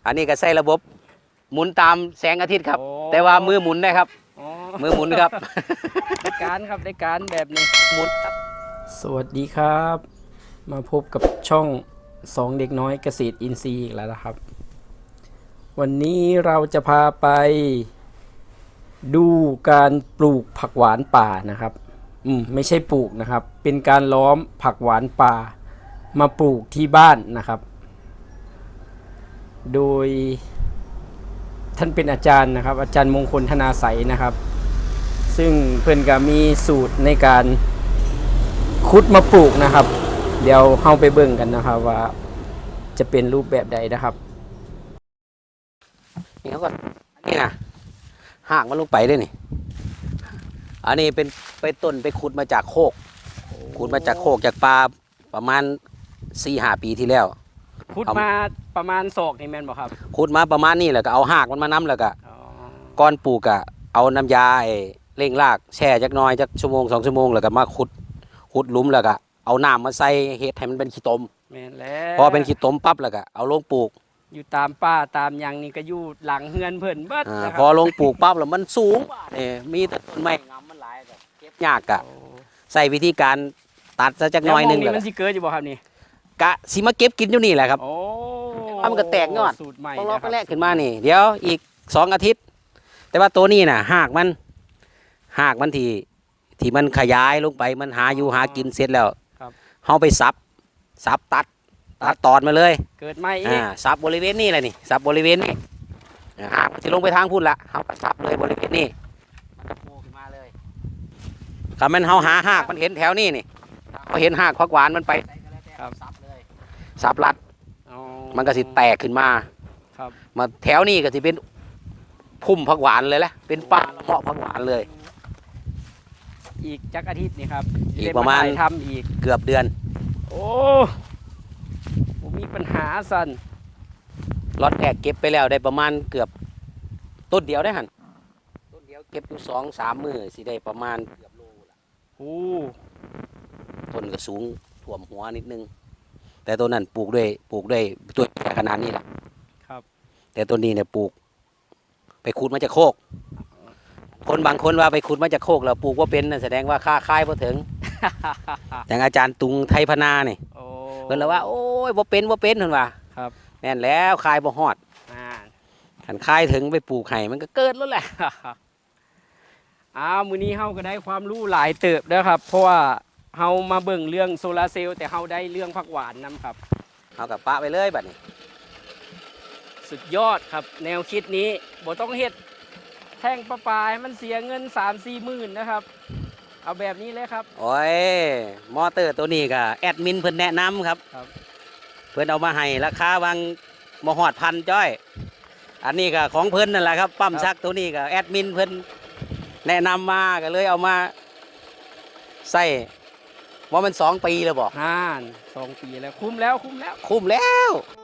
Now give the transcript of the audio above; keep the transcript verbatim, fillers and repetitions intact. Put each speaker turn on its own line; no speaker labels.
อันนี้ก็ใส่ระบบหมุนตามแสงอาทิตย์ครับแต่ว่ามือหมุนได้ครับมือหมุนครับ
ได้การครับได้การแบบนี้
หมุนครับ
สวัสดีครับมาพบกับช่องสองเด็กน้อยเกษตรอินทรีย์อีกแล้วนะครับวันนี้เราจะพาไปดูการปลูกผักหวานป่านะครับอืมไม่ใช่ปลูกนะครับเป็นการล้อมผักหวานป่ามาปลูกที่บ้านนะครับโดยท่านเป็นอาจารย์นะครับอาจารย์มงคลธนาใสนะครับซึ่งเพื่อนก็มีสูตรในการขุดมาปลูกนะครับเดี๋ยวเฮาไปเบิ่งกันนะครับว่าจะเป็นรูปแบบใดนะครับ
นี่เขาก็นี่นะหากมันลงไปด้วยนี่อันนี้เป็นไปต้นไปขุดมาจากโคกขุดมาจากโคกจากปลาประมาณสี่ห้าปีที่แล้ว
ขุดมาประมาณศอกนี่แม่นบ่ครับ
ขุดมาประมาณนี้แหละก็เอาหากมันมาน้ำแล้วก็ก้อนปลูกอะเอาน้ำยาเร่งรากแช่จักน้อยจักชั่วโมงสองชั่วโมงแล้วก็มาขุดขุดหลุมแล้วก็เอาน้ำมาใส่เฮ็ดให้มันเป็นขี้ตม
แม่นแล้ว
พอเป็นขี้ตมปั๊บแล้วก็เอาลงปลูก
อยู่ตามป่าตามยังนี่ก็อยู่หลังเฮือนเพิ่นเบิด
พอลงปลูกปั๊บแล้วมันสูงนี่มีต้นไม้งามมันหลายก็เก็บยากกะใส่วิธีการตัดซะจักน้อยนึง
แล้วมันสิเกิดอยู่บ่ครับนี่
กะสิมาเก็บกินอยู่นี่แหละครับ
โอ้
มันก็แตกยอดต้องรอไปแรกขึ้นมานี่เดี๋ยวอีกสองอาทิตย์แต่ว่าตัวนี้น่ะหากมันหากมันที่ที่มันขยายลงไปมันหาอยู่หากินเสร็จแล้วเฮาไปสับสับตัดตัดตอนมาเลย
เกิดใหม่อีก
สับบริเวณนี้แหละนี่สับบริเวณนี้หากมันจะลงไปทางพุ่นละเฮาก็สับเลยบริเวณนี้มันจะโผล่ขึ้นมาเลยถ้ามันเฮาหาหากมันเห็นแถวนี้นี่พอเห็นหากผักหวานมันไปสับเลยสับรัดมันก็สิแตกขึ้นมามาแถวนี้ก็สิเป็นพุ่มผักหวานเลยแหละเป็นป่าละเมาะผักหวานเลย
อีกจักอาทิตย์นี่ครับ
อีกประมาณ
ทำอีก
เกือบเดือน
โอ้ผมมีปัญหาสัน
ล็อตแรกเก็บไปแล้วได้ประมาณเกือบต้นเดียวได้หันต้นเดียวเก็บอยู่สองสามมือสิได้ประมาณเกือบโลละ
โอ้
ต้นก็สูงท่วมหัวนิดนึงแต่ต้นนั้นปลูกด้วยปลูกด้วยตัวขนาดนี้แหละ
ครับ
แต่ต้นนี้เนี่ยปลูกไปขุดมาจากโคกคนบางคนว่าไปขุดมาจากโคกแล้วปลูกว่าเป็นแสดงว่าค่าค่ายพอถึงอย่างอาจารย์ตุงไทยพนาเนี่ยเพิ่นเลยว่าโอ้ยว่าเป็นว่าเป็นเพิ่นว่า
ครับ
แน่นแล้วคายบ่ฮอดขันคายถึงไปปลูกไห่มันก็เกิดแล้วแหละ
อ้าวมื้อนี้เฮาก็ได้ความรู้หลายเติบแล้วครับเพราะว่าเฮามาเบิ่งเรื่องโซลาเซลล์แต่เฮาได้เรื่องผักหวานนํครับ
เฮากับปะไปเลยบัดนี้
สุดยอดครับแนวคิดนี้บ่ต้องเฮ็ดแท่งประปาให้มันเสียเงิน สามสี่ หมื่นนะครับเอาแบบนี้เลยครับ
โอ้ยมอเตอร์ตัวนี้ก็แอดมินเพิ่นแนะนำครับเพิ่นเอามาให้ราคาวางบ่ฮอดพันจ้อยอันนี้ก็ของเพิ่นนั่นแหละครับปั๊มชักตัวนี้ก็แอดมินเพิ่นแนะนำมาก็เลยเอามาใส่ว่ามันสองปีแล้วบ่
ฮ่าสองปีแล้วคุ้มแล้วคุ้มแล้ว
คุ้มแล้ว